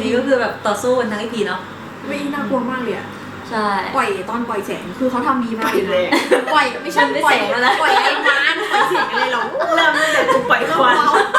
ก็คือแบบต่อสู้กันทั้งEPเนาะไม่น่ากลัวมากเลยอะใช่ปล่อยแสงคือเขาทำดีมากเลยปล่อยไม่ใช่ปล่อยไอ้ม้าปล่อยเสียงอะไรหรอเริ่มตั้งแต่กูปล่อยควัน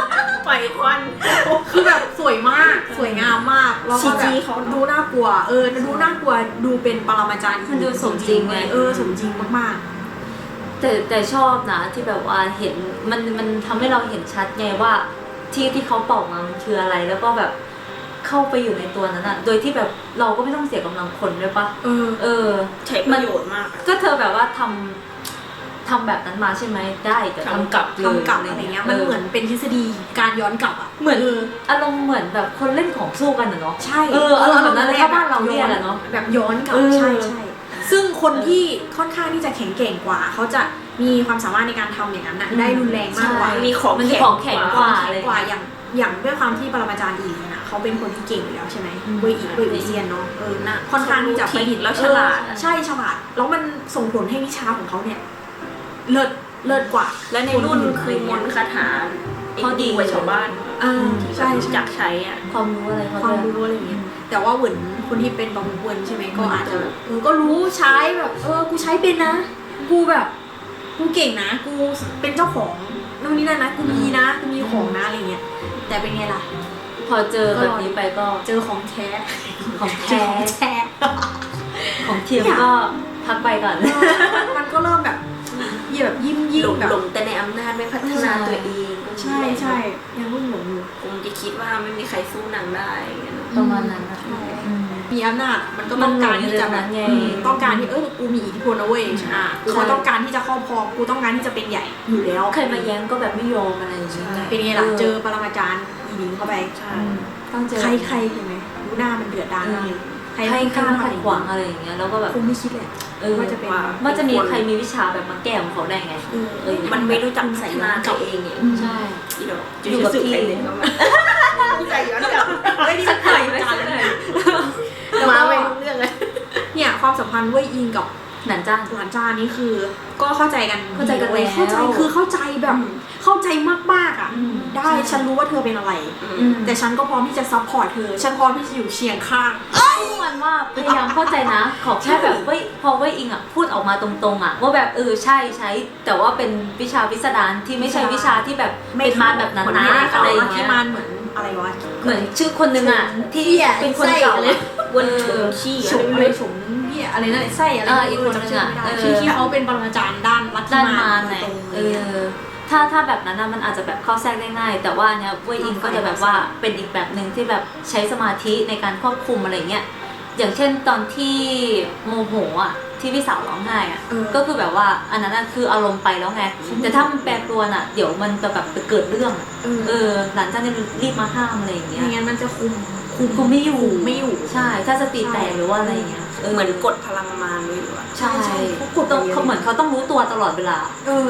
คือแบบสวยมากสวยงามมากแล้วก็แบบเขาดูน่ากลัวดูน่ากลัวดูเป็นปรมาจารย์มันดูสมจริงไงสมจริงมากๆแต่ชอบนะที่แบบว่าเห็นมันทำให้เราเห็นชัดไงว่าที่เขาเป่ามามันคืออะไรแล้วก็แบบเข้าไปอยู่ในตัวนั้นอ่ะโดยที่แบบเราก็ไม่ต้องเสียกำลังคนด้วยปะใช้ประโยชน์มากก็เธอแบบว่าทำแบบนั้นมาใช่ไหมได้แต่ทำกลับอะไรเงี้ยมันเหมือนเป็นทฤษฎีการย้อนกลับอ่ะเหมือนอารมณ์เหมือนแบบคนเล่นของสู้กันเนาะใช่อารมณ์แบบนั้นเลยถ้าบ้านเราเนี่ยแหละเนาะแบบย้อนกลับใช่ซึ่งคนที่ค่อนข้างที่จะแข็งแกร่งกว่าเขาจะมีความสามารถในการทำอย่างนั้นนะได้รุนแรงมากกว่ามีของแข็งกว่าอย่างด้วยความที่ปรมาจารย์อีเนี่ยเขาเป็นคนที่เก่งอยู่แล้วใช่ไหมเวยเซียนเนาะนะค่อนข้างที่จะประดิษฐ์แล้วฉลาดใช่ฉลาดแล้วมันส่งผลให้วิชาของเขาเนี่ยเลิศกว่าและในรุ่นคือมนต์คาถาเขาดีกว่าชาวบ้านใช่จักใช้อ่ะความรู้อะไรอย่างเงี้ยแต่ว่าเหมือนคนที่เป็นบางคนใช่ไหมก็อาจจะก็รู้ใช้แบบกูใช้เป็นนะกูแบบกูเก่งนะกูเป็นเจ้าของนู่นนี่นั่นนะกูมีนะกูมีของนะอะไรเงี้ยแต่เป็นไงล่ะพอเจอแบบนี้ไปก็เจอของแท้ของเทียมก็พักไปก่อนมันก็เริ่มแบบยิ้มแบบหลงแต่ในอำนาจไม่พัฒนาตัวเองใช่ยังรุ่งหลงอยู่คงจะคิดว่าไม่มีใครสู้นางได้ประมาณนั้นมีอำนาจมันก็ต้องการที่จะแบบต้องการที่กูมีอิทธิพลนะเว้ยเขาต้องการที่จะครอบครองกูต้องการที่จะเป็นใหญ่อยู่แล้วใครมาแย้งก็แบบไม่ยอมอะไรอย่างเงี้ยเป็นไงล่ะเจอปรมาจารย์อีลิงเข้าไปต้องเจอใครเห็นไหมดูหน้ามันเดือดดาลเลยใครขัดขวางอะไรอย่างเงี้ยแล้วก็แบบคงไม่คิดเลยว่าจะมีใครมีวิชาแบบมาแก้ของเขาได้ไงมันไม่รู้จักใส่หน้าตัวเองเนี่ยใช่อยู่กับที่ใจย้อนกลับไม่ได้ใส่กันเลยมาไม่รู้เรื่องเลยเนี่ยความสัมพันธ์เว่ยอิงกับหลานจ้านี่คือก็เข้าใจกันเข้าใจคือเข้าใจแบบเข้าใจมากๆอ่ะได้ฉันรู้ว่าเธอเป็นอะไรแต่ฉันก็พร้อมที่จะซัพพอร์ตเธอฉันพร้อมที่จะอยู่เคียงข้างมันว่าพยายามเข้าใจนะขอแค่แบบพออิงอ่ะพูดออกมาตรงๆอ่ะว่าแบบใช่แต่ว่าเป็นวิชาพิสดารที่ไม่ใช่วิชาที่แบบเป็นมารแบบนั้นนะอะไรอย่างเงี้ยมารเหมือนอะไรวะเหมือนชื่อคนนึงอ่ะที่เป็นคนเก่าวนถุงขี้อะไรถุงอะไรนั่นไส้อะไรอีกคนนึงอ่ะที่เขาเป็นปรมาจารย์ด้านลัทธิมารไงถ้าแบบนั้นนะมันอาจจะแบบเข้าแทรกได้ง่ายแต่ว่าเนี่ยเว่ยอิงก็จะแบบว่าเป็นอีกแบบหนึ่งที่แบบใช้สมาธิในการควบคุมอะไรเงี้ยอย่างเช่นตอนที่โมโหอ่ะที่พี่สาวร้องไห้อ่ะก็คือแบบว่าอันนั้นคืออารมณ์ไปแล้วไงแต่ถ้ามันแปรปรวนอ่ะเดี๋ยวมันจะแบบเกิดเรื่องหลังจากนั้นรีบมาห้ามอะไรอย่างเงี้ยไม่งั้นมันจะคุมไม่อยู่ใช่ถ้าสติแตกหรือว่าอะไรเงี้ยเหมือนกดพลังมารไว้อยู่อ่ะใช่เขาเหมือนเขาต้องรู้ตัวตลอดเวลาก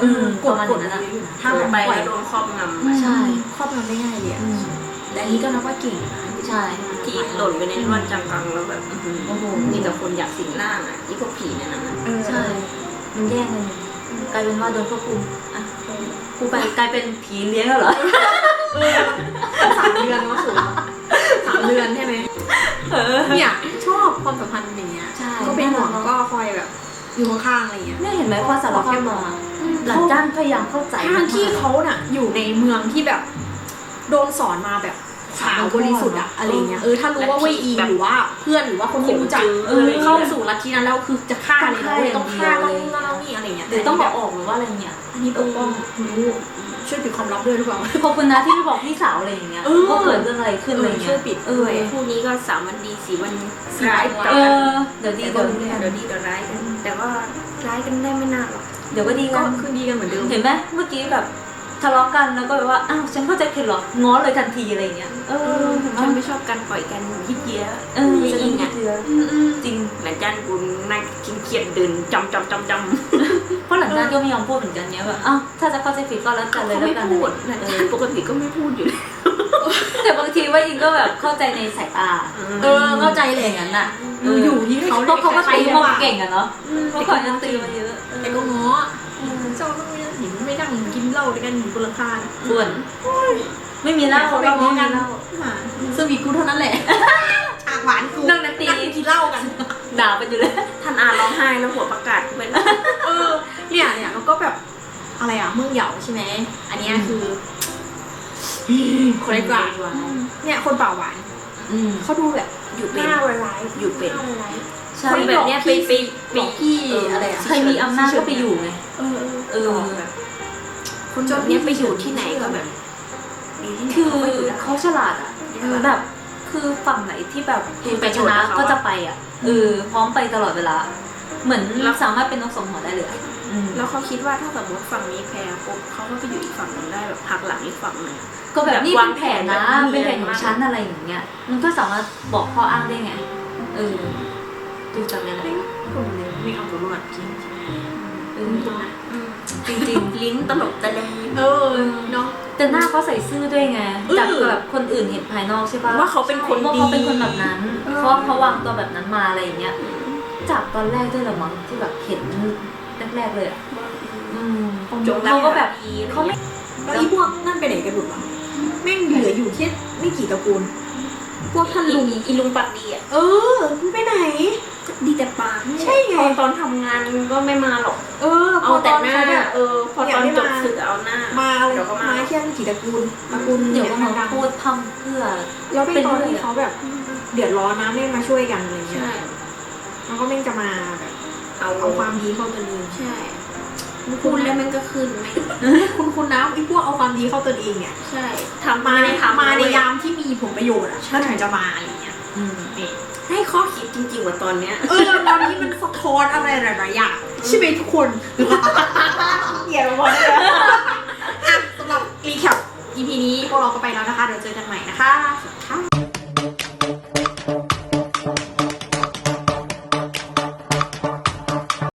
ดนั้นนะถ้ามันไปแล้วโดนครอบงำใช่ครอบงำได้ง่ายเลยแต่อันนี้ก็นับว่าเก่งใช่ที่หล่นไปในร่วนจังกังแล้วแบบโอ้โหมีแต่คนอยากสิงร่างอ่ะที่พวกผีเนี่ยนะใช่มันแย่งกันกลายเป็นว่าโดนควบคุมอ่ะกูไปกลายเป็นผีเลี้ยงแล้วเหรอ 3 เดือนก็สูง3 เดือนใช่ไหมเนี่ยชอบความสัมพันธ์อย่างเงี้ยก็เป็นห่วงก็คอยแบบอยู่ข้างๆอะไรเงี้ยเนี่ยเห็นไหมพอสารภาพมาหลังจ้างพยายามเข้าใจทางที่เขาน่ะอยู่ในเมืองที่แบบโดนสอนมาแบบขาวบริสุทธิ์อะอะไรเงี้ยถ้ารู้ว่าเว่ยอิงหรือว่าเพื่อนหรือว่าคนที่รู้จักเข้าสู่ลัทธินั้นแล้วคือจะฆ่าเลยต้องฆ่าต้องนี่อะไรเงี้ยหรือต้องบอกออกหรือว่าอะไรเงี้ยอันนี้ปกป้องรู้ช่วยปิดความลับด้วยหรือเปล่าขอบคุณนะที่ไม่บอกพี่สาวอะไรอย่างเงี้ยว่าเกิดเรื่องอะไรขึ้นอะไรเงี้ยช่วยปิดคู่นี้ก็3 วันดี4 วันร้ายเดี๋ยวดีเดี๋ยวร้ายกันแต่ว่าร้ายกันได้ไม่นานหรอกเดี๋ยวก็ดีกันคืนดีกันเหมือนเดิมเห็นไหมเมื่อกี้แบบทะเลาะกันแล้วก็แบบว่าอ้าวฉันเข้าใจผิดหรอง้อเลยทันทีอะไรเงี้ยฉันไม่ชอบการปล่อยกันยิบเย้จะยิงอ่ะจริงหลังจากกูนั่งกินเขียดเดินจำเพราะหลังจากก็ไม่ยอมพูดเหมือนกันเนี้ยแบบอ้าวถ้าจะเข้าใจผิดก็แล้วกันเลยแล้วกันพูดหลังจากปกติก็ไม่พูดอยู่แต่บางทีว่าอิงก็แบบเข้าใจในสายตาเข้าใจเลยอย่างนั้นน่ะอยู่ที่เขาก็ตีมองเก่งอะเนาะเพราะก่อนจะตีมาเยอะแต่ก็ง้อเจ้าต้องไม่นั่งกินเหล้าด้วยกันอยู่บนหลังคาส่วนไม่มีเหล้าเขาไปเราง้ไม่อมีกันเหล้าซึ่งมีกูเท่านั้นแหละฉากหวานกูนั่งนันตีกินเหล้ากันด่าไปอยู่เลยท่านอาร้องไห้แล้วหัวประกาศเป็นเนี่ยแล้วก็แบบอะไรอ่ะเมืองเหยาใช่ไหมอันเนี้ยคือคนกลางเนี่ยคนป่าหวานอืมเขาดูแบบอยู่หเป็นน้าร้ายๆอยู่เป็นหน้าร้ายใช่คนแบบเนี้ยไปหลอกพี่อะไรอ่ะใครมีอำนาจก็ไปอยู่ไงเออแบบคนแบบเนี้ยไปอยู่ที่ไหนก็แบบดีที่ไหนคือเขาก็อยู่ได้เขาฉลาดอ่ะแบบคือฝั่งไหนที่แบบเห็นไปประชโยชน์นะกับเขาอะก็จะไปอ่ะพร้อมไปตลอดเวลา เหมือนเราสามารถเป็นนกสองหัวได้เลยอะแล้วเขาคิดว่าถ้าสมมติฝั่งนี้แพ้ปุ๊บเขาก็ไปอยู่อีกฝั่งหนึ่งได้แบบพักหลังอีกฝั่งหนึ่งก็แบบนี่เป็นแผนนะแบบวางแผนเป็นแผนของฉันอะไรอย่างเงี้ย มันก็สามารถบอกข้ออ้างได้ไงดูจากในนั้นคนเลยไม่เอาตัวรอดจริงจริงลิ้นตลกตะเลงเนาะๆแต่หน้าเขาใส่ซื่อด้วยไง จากแบบคนอื่นเห็นภายนอกใช่ปะว่าเขาเป็นคนว่าดีเขาเป็นคนแบบนั้นเพราะเขาวางตัวแบบนั้นมาอะไรอย่างเงี้ย จากตอนแรกด้วยเหรอมั้งที่แบบเห็นแรกๆเลยอ่ะจงรักเขาก็แบบภักดีเขาไม่แล้วอีพวกนั่นไปไหนกันหมดวะแม่งเหลืออยู่แค่ไม่กี่ตระกูล พวกท่านลุงอีลุงปากดีอ่ะมึงไปไหนดีแต่ปากใช่ไงพอตอนทำงานก็ไม่มาหรอก เอาแต่หน้า พอตอนจบศึกเอาหน้ามาอะไรเดี๋ยวก็มาแค่ไม่กี่ตระกูลตเดี๋ยวก็มาดังพูดทำเพื่อๆแล้วเป็นตอนที่เขาแบบเดือดร้อนนะไม่มาช่วยกันอะไรเงี้ยใช่แล้วก็แม่งจะมาแบบเอาเอาความดีเข้าตัวเองใช่พูดแล้วมันก็ขึ้นไม่คุณนะไอ้พวกเอาความดีเข้าตัวเองเนี่ยใช่ทำมาไม่ได้ทำมาในเว้ยามที่มีผลประโยชน์อ่ะก็ถึงจะมาอะไรเงี้ยนี่ให้ข้อคิดจริงๆว่าตอนเนี้ยตอนนี้มันสะท้อนอะไรหลายๆอย่างใช่ไหมทุกคนเหี้ยเราหมดเลยสำหรับรีแคป EP นี้พวกเราก็ไปแล้วนะคะเดี๋ยวเจอกันใหม่นะคะสวัสดีค่ะ